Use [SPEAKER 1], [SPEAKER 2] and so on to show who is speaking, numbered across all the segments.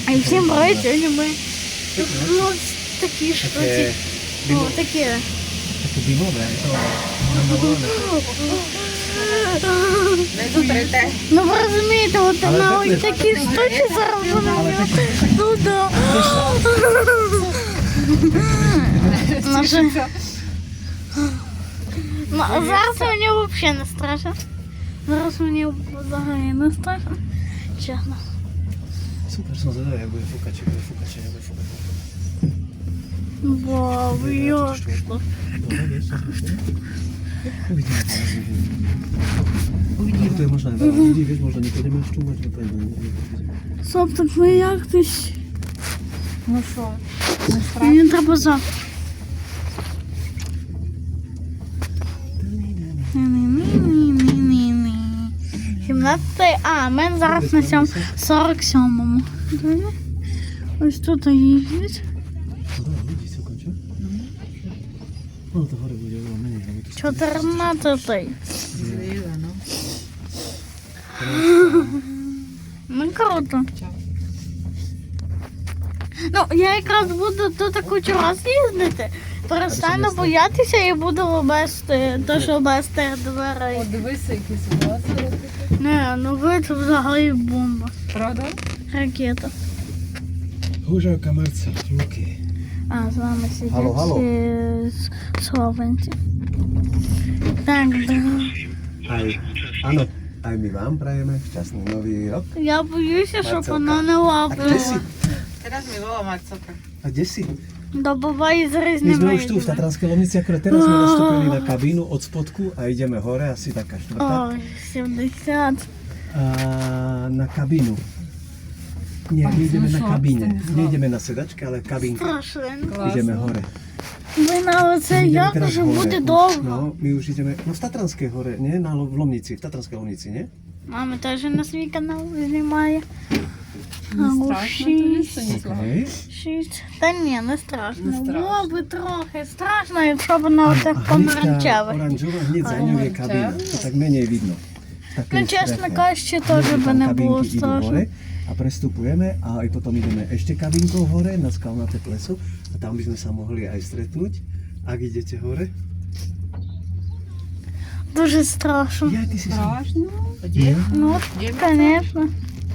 [SPEAKER 1] І всім привіт, сьогодні ми такі штуки. Такі.
[SPEAKER 2] Таке димове,
[SPEAKER 3] Не зутрите.
[SPEAKER 1] Ну ви розумієте, от на ось такі штуки зараз будемо. Ну да. Зараз мені взагалі не страшно. Зараз мені взагалі не страшно. Чесно.
[SPEAKER 2] Super, som zvedavý, jak bude fúkať, či bude fúkať, či nebude fúkať.
[SPEAKER 1] Вау, як що.
[SPEAKER 2] Uvidíme. To je možná veľa ľudí, vieš, možno nepôjdeme už čúmať, no to je
[SPEAKER 1] Соп, так ми як тись.
[SPEAKER 3] Ну що, не страшно?
[SPEAKER 1] Мені треба за. Ні-ні-ні-ні-ні-ні. 17. А, ми зараз на 47-му. Ось тут їздять.
[SPEAKER 2] No dobré, ľudí sa končia. No to hore bude veľa menej, lebo to
[SPEAKER 1] 14.
[SPEAKER 3] Зліва, ну.
[SPEAKER 1] Ну круто. Ну, я якраз буду тут кучу раз їздити. Перестану боятися і буду вести, то що без тих дверей.
[SPEAKER 3] О, дивися, які ситуації.
[SPEAKER 1] Не, ну ви це взагалі бомба.
[SPEAKER 3] Правда?
[SPEAKER 1] Ракета.
[SPEAKER 2] Húžavka Marca, ruky.
[SPEAKER 1] А, з вами сидять
[SPEAKER 2] Алло.
[SPEAKER 1] словенці. Так, да.
[SPEAKER 2] Áno, aj my vám prajeme šťastný nový rok.
[SPEAKER 1] Я боюся, щоб
[SPEAKER 2] Марцелка.
[SPEAKER 1] вона не
[SPEAKER 2] A kde
[SPEAKER 1] лапила.
[SPEAKER 2] si?
[SPEAKER 3] Teraz mi volá Marcelka.
[SPEAKER 2] A kde si?
[SPEAKER 1] До бабаї з
[SPEAKER 2] My
[SPEAKER 1] різними
[SPEAKER 2] sme už tu v Tatranskej Lomnici, akorát teraz sme nastúpili na kabínu od spodku a ideme hore, asi taká štvrtá.
[SPEAKER 1] Ой, 70.
[SPEAKER 2] A na kabínu. Nie, my ideme na kabíne. Nejdeme na sedačke, ale kabínka.
[SPEAKER 1] Страшно.
[SPEAKER 2] Ideme hore.
[SPEAKER 1] Ви на оце
[SPEAKER 2] My ideme
[SPEAKER 1] як
[SPEAKER 2] teraz
[SPEAKER 1] вже
[SPEAKER 2] hore.
[SPEAKER 1] буде
[SPEAKER 2] Už,
[SPEAKER 1] довго.
[SPEAKER 2] No, my už ideme, no v Tatranskej hore, nie? V Lomnici, v Tatranskej Lomnici, nie?
[SPEAKER 1] Мама теж на свій канал знімає.
[SPEAKER 3] Не страшно тобі? Це не страшно.
[SPEAKER 2] Okej.
[SPEAKER 1] 6. Та ні, не страшно.
[SPEAKER 3] Не страшно.
[SPEAKER 1] Було би трохи страшно, якщо б воно оце
[SPEAKER 2] hneď tá
[SPEAKER 1] помаранчеве.
[SPEAKER 2] oranžová, hneď za ňou je kabína. To tak menej vidno. V takej
[SPEAKER 1] Ну, чесно
[SPEAKER 2] streche.
[SPEAKER 1] кажучи,
[SPEAKER 2] Hneď
[SPEAKER 1] теж би
[SPEAKER 2] tam
[SPEAKER 1] не було
[SPEAKER 2] kabínky idú
[SPEAKER 1] страшно.
[SPEAKER 2] hore a prestupujeme a aj potom ideme ešte kabínkou hore na skalnaté pleso a tam by sme sa mohli aj stretnúť, ak idete hore.
[SPEAKER 1] Дуже страшно.
[SPEAKER 2] Ja, ty si sa...
[SPEAKER 3] Страшно? Де?
[SPEAKER 1] Ну, звісно.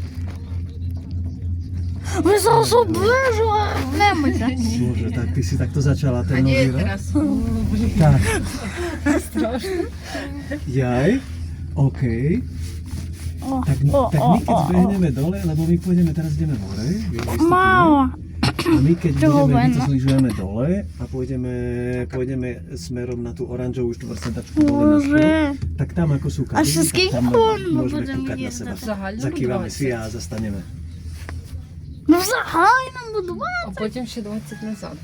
[SPEAKER 1] Ви зараз оближуватимете.
[SPEAKER 2] Bože, tak ty si takto začala
[SPEAKER 3] А
[SPEAKER 2] ten
[SPEAKER 3] де
[SPEAKER 2] nový rok?
[SPEAKER 3] teraz?
[SPEAKER 2] Tak,
[SPEAKER 3] Страшно.
[SPEAKER 2] jaj, okej.
[SPEAKER 1] О,
[SPEAKER 2] Tak,
[SPEAKER 1] о,
[SPEAKER 2] tak
[SPEAKER 1] о,
[SPEAKER 2] my keď
[SPEAKER 1] о, о.
[SPEAKER 2] zbehneme dole, lebo my pôjdeme, teraz ideme hore, vystupujeme.
[SPEAKER 1] Мало.
[SPEAKER 2] A my keď
[SPEAKER 1] Čo
[SPEAKER 2] budeme, my to
[SPEAKER 1] len?
[SPEAKER 2] zlyžujeme dole a pôjdeme smerom na tú oranžovú štvorsedačku dole na školu,
[SPEAKER 1] Боже.
[SPEAKER 2] tak tam ako sú
[SPEAKER 1] А
[SPEAKER 2] kabiny,
[SPEAKER 1] ще
[SPEAKER 2] tak
[SPEAKER 1] скільки
[SPEAKER 2] tam
[SPEAKER 1] хвилин ми
[SPEAKER 2] môžeme
[SPEAKER 1] будемо
[SPEAKER 2] kúkať na
[SPEAKER 1] їздити?
[SPEAKER 2] seba.
[SPEAKER 3] Взагалі
[SPEAKER 2] Zakývame si
[SPEAKER 3] 20.
[SPEAKER 2] a zastaneme.
[SPEAKER 1] Ну, взагалі нам будувати.
[SPEAKER 3] А потім ще 20 назад.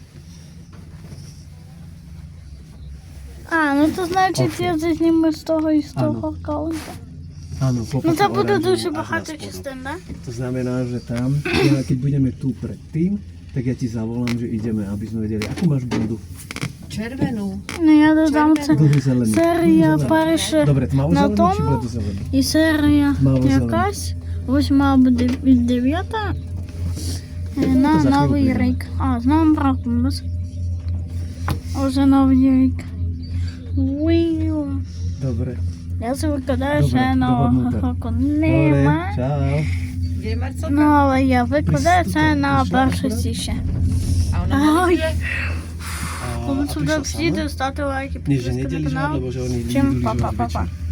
[SPEAKER 1] А, ну то значить
[SPEAKER 2] Окей.
[SPEAKER 1] я це зніму з того і з того
[SPEAKER 2] Áno.
[SPEAKER 1] аккаунта.
[SPEAKER 2] Áno, po
[SPEAKER 1] Ну це
[SPEAKER 2] potom
[SPEAKER 1] буде
[SPEAKER 2] oranžovú
[SPEAKER 1] дуже
[SPEAKER 2] až na
[SPEAKER 1] багато
[SPEAKER 2] spodu.
[SPEAKER 1] частин, так?
[SPEAKER 2] To znamená, že tam, keď budeme tu predtým, tak ja ti zavolám, že ideme, aby sme vedeli, akú máš bundu.
[SPEAKER 3] Червену.
[SPEAKER 1] Ну я додам це.
[SPEAKER 2] Dlhú zelenú.
[SPEAKER 1] Серія
[SPEAKER 2] Dlhú zelenú.
[SPEAKER 1] перша
[SPEAKER 2] Dobre, tmavú
[SPEAKER 1] на
[SPEAKER 2] zelenú či
[SPEAKER 1] тому
[SPEAKER 2] bledú zelenú?
[SPEAKER 1] і серія
[SPEAKER 2] Мало
[SPEAKER 1] якась. Ось мала буде від 9 на
[SPEAKER 2] за
[SPEAKER 1] Новий
[SPEAKER 2] хвилину.
[SPEAKER 1] рік. А, з новим роком. Уже Новий рік. Уіу.
[SPEAKER 2] Dobre.
[SPEAKER 1] Я це викладаю
[SPEAKER 2] Добре,
[SPEAKER 1] ще нового
[SPEAKER 2] доhodnuté.
[SPEAKER 1] року.
[SPEAKER 2] Dobre,
[SPEAKER 1] Нема.
[SPEAKER 2] čau.
[SPEAKER 3] Де Марcelка?
[SPEAKER 1] Ну, але я викладаю це
[SPEAKER 2] Приступай,
[SPEAKER 1] на
[SPEAKER 2] пішла,
[SPEAKER 1] 1
[SPEAKER 2] добре?
[SPEAKER 1] січня.
[SPEAKER 3] А вона
[SPEAKER 1] Ай.
[SPEAKER 3] буде?
[SPEAKER 2] A,
[SPEAKER 1] Коли
[SPEAKER 2] a
[SPEAKER 1] сюди
[SPEAKER 2] prišla
[SPEAKER 1] всі
[SPEAKER 2] sama?
[SPEAKER 1] ставте лайки,
[SPEAKER 2] Nie, že
[SPEAKER 1] підписки на
[SPEAKER 2] nedeliš
[SPEAKER 1] канал.
[SPEAKER 2] lebo že oni
[SPEAKER 1] Čím
[SPEAKER 2] idú lyžovať
[SPEAKER 1] pa, pa, pa,
[SPEAKER 2] večer.
[SPEAKER 1] pa.